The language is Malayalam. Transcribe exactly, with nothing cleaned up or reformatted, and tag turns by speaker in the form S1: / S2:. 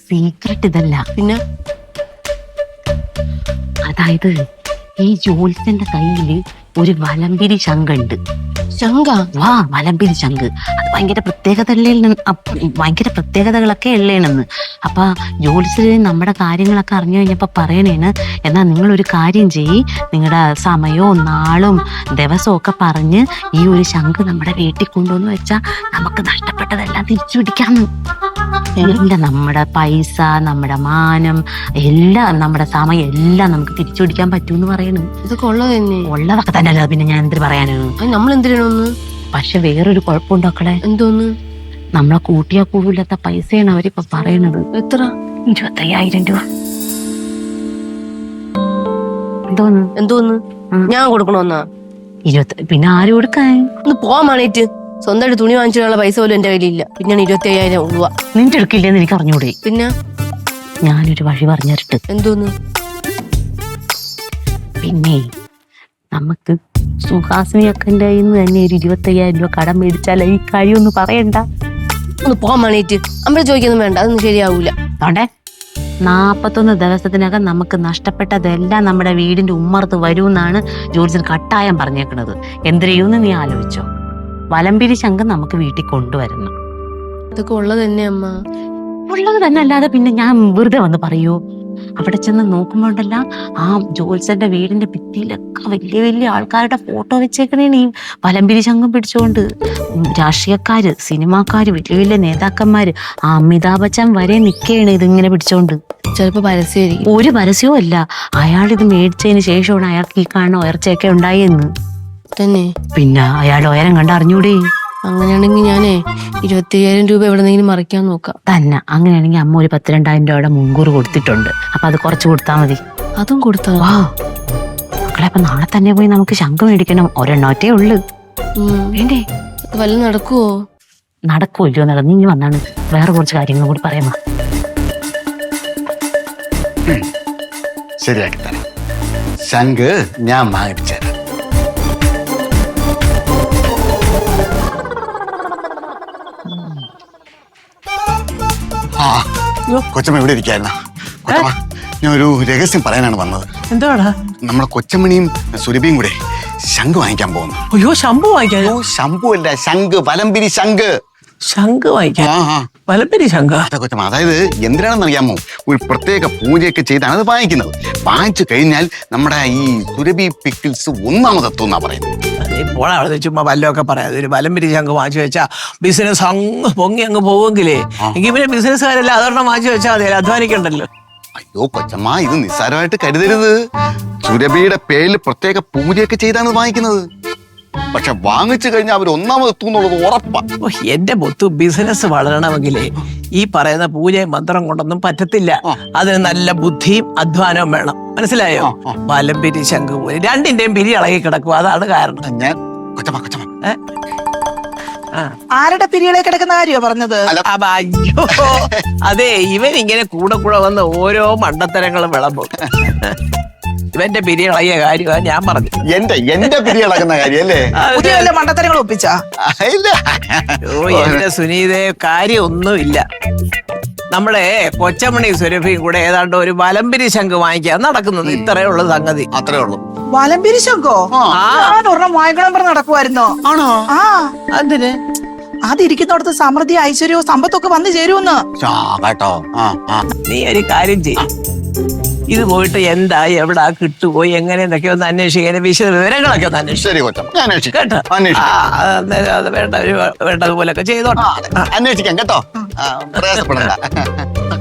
S1: സീക്രട്ട് ഇതല്ല.
S2: പിന്നെ
S1: അതായത് ഈ ജോത്സ്യന്റെ കയ്യില് ഒരു വലമ്പിരി ശങ്കുണ്ട്.
S2: ശങ്ക?
S1: വാ, വലമ്പിരി ശങ്ക്. അത് ഭയങ്കര പ്രത്യേകത ഭയങ്കര പ്രത്യേകതകളൊക്കെ ഉള്ളേണെന്ന്. അപ്പൊ ജോത്സ്യര് നമ്മുടെ കാര്യങ്ങളൊക്കെ അറിഞ്ഞു കഴിഞ്ഞപ്പോ പറയണേണ്, എന്നാ നിങ്ങളൊരു കാര്യം ചെയ്യ്, നിങ്ങളുടെ സമയവും നാളും ദിവസവും ഒക്കെ പറഞ്ഞ് ഈ ഒരു ശങ്ക് നമ്മുടെ വീട്ടിൽ കൊണ്ടുവന്ന് വെച്ചാൽ നമുക്ക് നഷ്ടപ്പെട്ടതെല്ലാം തിരിച്ചു പിടിക്കാന്ന്. എല്ലാം നമ്മുടെ പൈസ, നമ്മുടെ മാനം, എല്ലാം നമ്മുടെ സമയം എല്ലാം നമുക്ക് തിരിച്ചു പിടിക്കാൻ പറ്റൂന്ന് പറയണു.
S2: ഇതൊക്കെ ഉള്ളത് തന്നെ?
S1: ഉള്ളതൊക്കെ തന്നെ അല്ല, പിന്നെ ഞാൻ എന്തിനു പറയാനാണ്.
S2: നമ്മൾ എന്തിനാണ്?
S1: പക്ഷെ വേറൊരു കുഴപ്പമുണ്ടോക്കളെ.
S2: എന്തോന്ന്?
S1: നമ്മളെ കൂട്ടിയാ കൂടില്ലാത്ത പൈസയാണ് അവരിപ്പൊ പറയണത്.
S2: എത്ര?
S1: ഇരുപത്തയ്യായിരം രൂപ. എന്തോന്ന്?
S2: എന്തോന്ന്? ഞാൻ കൊടുക്കണോന്നാ?
S1: ഇരുപത്തി പിന്നെ ആര് കൊടുക്കാൻ?
S2: ഒന്ന് പോവാൻ വേണേറ്റ്. സ്വന്തമായിട്ട് തുണി വാങ്ങിച്ചിട്ടുള്ള പൈസ പോലും എന്റെ കയ്യിലില്ല. പിന്നെ ഇരുപത്തി അയ്യായിരം രൂപ
S1: നിന്റെ എടുക്കില്ലെന്ന് എനിക്ക് അറിഞ്ഞൂടെ?
S2: പിന്നെ
S1: ഞാനൊരു വഴി പറഞ്ഞിട്ട്.
S2: എന്തോന്ന്?
S1: പിന്നെ നമുക്ക് സുഹാസിനിയൊക്കെ തന്നെ ഒരു ഇരുപത്തി അയ്യായിരം രൂപ കടം മേടിച്ചാൽ ഈ കാര്യം ഒന്ന് പറയണ്ട.
S2: ഒന്ന് പോവാൻ വേണേറ്റ്. അമ്മ ചോദിക്കൊന്നും വേണ്ട, അതൊന്നും ശരിയാവൂല.
S1: അതോടെ നാപ്പത്തൊന്ന് ദിവസത്തിനകം നമുക്ക് നഷ്ടപ്പെട്ടതെല്ലാം നമ്മുടെ വീടിന്റെ ഉമ്മർത്ത് വരുമെന്നാണ് ജോർജിൻ കട്ടായം പറഞ്ഞേക്കണത്. എന്ത് ചെയ്യുമെന്ന് നീ ആലോചിച്ചോ. വലമ്പിരി ശങ്കം നമുക്ക് വീട്ടിൽ കൊണ്ടുവരണം.
S2: ഇതൊക്കെ ഉള്ളത് തന്നെ അമ്മ.
S1: ഉള്ളത് തന്നെ അല്ലാതെ പിന്നെ ഞാൻ വെറുതെ വന്ന് പറയൂ? അവിടെ ചെന്ന് നോക്കുമ്പോണ്ടല്ല ആ ജോത്സ്യന്റെ വീടിന്റെ ഭിത്തിയിലൊക്കെ വലിയ വലിയ ആൾക്കാരുടെ ഫോട്ടോ വെച്ചേക്കണേ ഈ വലമ്പിരി ശങ്കം പിടിച്ചുകൊണ്ട്. രാഷ്ട്രീയക്കാര്, സിനിമാക്കാര്, വലിയ വലിയ നേതാക്കന്മാര്, ആ അമിതാഭ് ബച്ചൻ വരെ നിൽക്കുകയാണ് ഇതിങ്ങനെ പിടിച്ചോണ്ട്.
S2: ചിലപ്പോ പരസ്യമായിരിക്കും.
S1: ഒരു പരസ്യവും അല്ല, അയാൾ ഇത് മേടിച്ചതിന് ശേഷമാണ് അയാൾക്ക് ഈ കാണുന്ന ഉയർച്ചയൊക്കെ ഉണ്ടായെന്ന്
S2: തന്നെ.
S1: പിന്നെ അയാൾ ഉയരം കണ്ട് അറിഞ്ഞൂടെ?
S2: അങ്ങനെയാണെങ്കിൽ ഞാനേ ഇരുപത്തി അയ്യായിരം രൂപ എവിടെന്നെങ്കിലും മറിക്കാൻ നോക്കാം.
S1: തന്നെ. അങ്ങനെയാണെങ്കിൽ അമ്മ ഒരു പത്തിരണ്ടായിരം രൂപയുടെ മുൻകൂർ കൊടുത്തിട്ടുണ്ട്. അപ്പൊ അത് കുറച്ച് കൊടുത്താൽ മതി.
S2: അതും കൊടുത്താ?
S1: വാ മക്കളെ, അപ്പൊ നാളെ തന്നെ പോയി നമുക്ക് ശംഖ് മേടിക്കണം. ഒരെണ്ണോറ്റേ ഉള്ളു. വേണ്ടേ?
S2: വല്ല നടക്കുവോ?
S1: നടക്കൂല്ലോ. നടന്നു ഇനി വന്നാണ് വേറെ കുറച്ച് കാര്യങ്ങൾ കൂടി പറയാമോ?
S3: ശരിയാക്കി തരാം. ശംഖ് ഞാൻ വാങ്ങിച്ചു തരാം. ആ കൊച്ചമ്മ ഇവിടെ ഇരിക്കായിരുന്ന? കൊച്ചമ്മ, ഞാൻ ഒരു രഹസ്യം പറയാനാണ് വന്നത്.
S4: എന്താടാ?
S3: നമ്മുടെ കൊച്ചമ്മണിയും സുരഭിയും കൂടെ ശംഖ് വാങ്ങിക്കാൻ പോകുന്നു.
S4: അയ്യോ, ശംഭു വാങ്ങിക്കാൻ?
S3: ഓ, ശംഭു അല്ല, ശംഖ്, വലമ്പിരി ശംഖ്.
S4: ശംഖ് വാങ്ങിക്കാൻ? വലമ്പിരി ശംഖ?
S3: കൊച്ചമ്മ, അതായത് എന്തിനാണെന്ന് അറിയാമോ? ഒരു പ്രത്യേക പൂജയൊക്കെ ചെയ്താണ് അത് വാങ്ങിക്കുന്നത്. വാങ്ങിച്ചു കഴിഞ്ഞാൽ നമ്മുടെ ഈ സുരഭി പിക്കിൾസ് ഒന്നാമതെത്തും എന്നാ പറയുന്നത്.
S4: ഇപ്പോൾ അവിടെ ചുമ്മാ വല്ലതൊക്കെ പറയാതെ ഒരു വലമ്പിരി ശംഖ് വാങ്ങിച്ചു വെച്ചാ ബിസിനസ് അങ്ങ് പൊങ്ങി അങ്ങ് പോവെങ്കിലേ എങ്കിൽ പിന്നെ ബിസിനസ്സുകാരെല്ലാം അതൊരെണ്ണം വാങ്ങിച്ചു വെച്ചാൽ മതി, അധ്വാനിക്കണ്ടല്ലോ.
S3: അയ്യോ കൊച്ചമ്മ, ഇത് നിസ്സാരമായിട്ട് കരുതരുത്. സുരഭിയുടെ പേരിൽ പ്രത്യേക പൂജയൊക്കെ ചെയ്താണ് വാങ്ങിക്കുന്നത്. പക്ഷെ വാങ്ങിച്ചു കഴിഞ്ഞാൽ അവർ ഒന്നാമതെത്തും എന്നുള്ളത് ഉറപ്പാ.
S4: ഓ, എന്റെ പൊത്തു, ബിസിനസ് വളരണമെങ്കിലേ ഈ പറയുന്ന പൂജയും മന്ത്രം കൊണ്ടൊന്നും പറ്റത്തില്ല. അതിന് നല്ല ബുദ്ധിയും അധ്വാനവും വേണം. മനസ്സിലായോ? വലമ്പിരി ശംഖ് പോലെ രണ്ടിന്റെയും പിരി ഇളകി കിടക്കും. അതാണ് കാരണം.
S3: ഞാൻ കൊച്ചമ്മ കൊച്ചമ്മ
S5: ആരുടെ പിരികളെ കിടക്കുന്ന കാര്യോ പറഞ്ഞത്?
S4: അയ്യോ, അതെ, ഇവൻ ഇങ്ങനെ കൂടെ കൂടെ വന്ന് ഓരോ മണ്ടത്തരങ്ങളും വിളമ്പും. ഇവന്റെ പിരി ഇളകിയ കാര്യമാണ് ഞാൻ പറഞ്ഞു.
S3: എന്റെ എന്റെ പിരി ഇളകുന്ന കാര്യം അല്ലേ?
S5: പുതിയ വല്ല മണ്ടത്തരങ്ങൾ ഒപ്പിച്ചാ?
S4: ഓ, എന്റെ സുനീതേ, കാര്യം ഒന്നുമില്ല. നമ്മളെ കൊച്ചമണി സുരഭിയും കൂടെ ഏതാണ്ട് ഒരു വലമ്പിരി ശംഖ് വാങ്ങിക്കാൻ നടക്കുന്നത്. ഇത്രയേ ഉള്ളു സംഗതി.
S3: അത്രേ ഉള്ളൂ.
S5: വലമ്പിരി ശംഖോ? ഒരെണ്ണം വാങ്ങിക്കണം പറഞ്ഞ് നടക്കുമായിരുന്നോ?
S4: ആണോ?
S5: ആ.
S4: അതിന്
S5: അതിരിക്കുന്നിടത്ത് സമൃദ്ധി, ഐശ്വര്യവും സമ്പത്തൊക്കെ വന്നു ചേരുമെന്ന്.
S3: കേട്ടോ?
S4: നീ ഒരു കാര്യം ചെയ്യും, ഇത് പോയിട്ട് എന്താ, എവിടാ, കിട്ടുമോ, എങ്ങനെ എന്നൊക്കെ ഒന്ന് അന്വേഷിക്കാൻ, വിശദ വിവരങ്ങളൊക്കെ ഒന്ന് അന്വേഷിക്കും കേട്ടോ. വേണ്ട വേണ്ടതുപോലൊക്കെ ചെയ്തോട്ടെ.
S3: അന്വേഷിക്കാം കേട്ടോ.